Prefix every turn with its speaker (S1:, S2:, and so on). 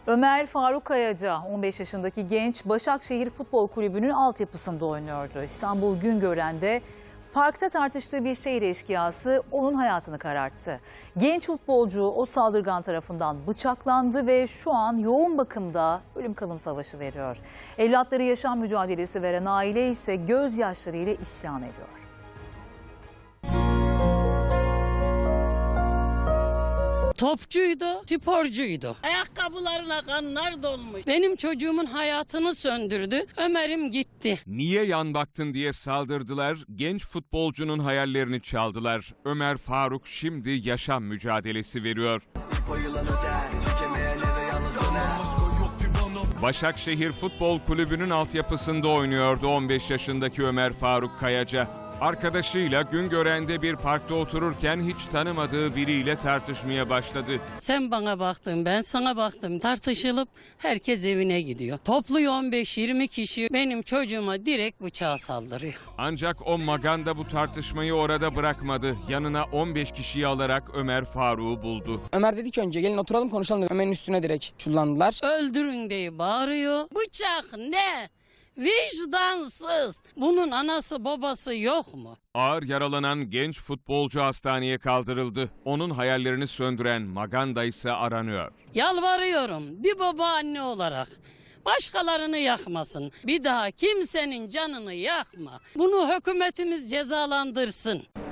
S1: Ömer Faruk Kayaca, 15 yaşındaki genç, Başakşehir Futbol Kulübü'nün altyapısında oynuyordu. İstanbul Güngören'de parkta tartıştığı bir şehir eşkıyası onun hayatını kararttı. Genç futbolcu o saldırgan tarafından bıçaklandı ve şu an yoğun bakımda ölüm kalım savaşı veriyor. Evlatları yaşam mücadelesi veren aile ise gözyaşlarıyla isyan ediyor.
S2: Topçuydu, sporcuydu. Ayakkabılarına kanlar dolmuş. Benim çocuğumun hayatını söndürdü. Ömer'im gitti.
S3: Niye yan baktın diye saldırdılar, genç futbolcunun hayallerini çaldılar. Ömer Faruk şimdi yaşam mücadelesi veriyor. Başakşehir Futbol Kulübü'nün altyapısında oynuyordu 15 yaşındaki Ömer Faruk Kayaca. Arkadaşıyla Güngören'de bir parkta otururken hiç tanımadığı biriyle tartışmaya başladı.
S2: Sen bana baktın, ben sana baktım. Tartışılıp herkes evine gidiyor. Toplu 15-20 kişi benim çocuğuma direkt bıçağa saldırıyor.
S3: Ancak o maganda bu tartışmayı orada bırakmadı. Yanına 15 kişiyi alarak Ömer Faruk'u buldu.
S4: Ömer dedi ki önce gelin oturalım konuşalım dedi. Ömer'in üstüne direkt çullandılar.
S2: Öldürün diye bağırıyor. Bıçak ne? Vicdansız. Bunun anası babası yok mu?
S3: Ağır yaralanan genç futbolcu hastaneye kaldırıldı. Onun hayallerini söndüren maganda ise aranıyor.
S2: Yalvarıyorum bir baba anne olarak. Başkalarını yakmasın. Bir daha kimsenin canını yakma. Bunu hükümetimiz cezalandırsın.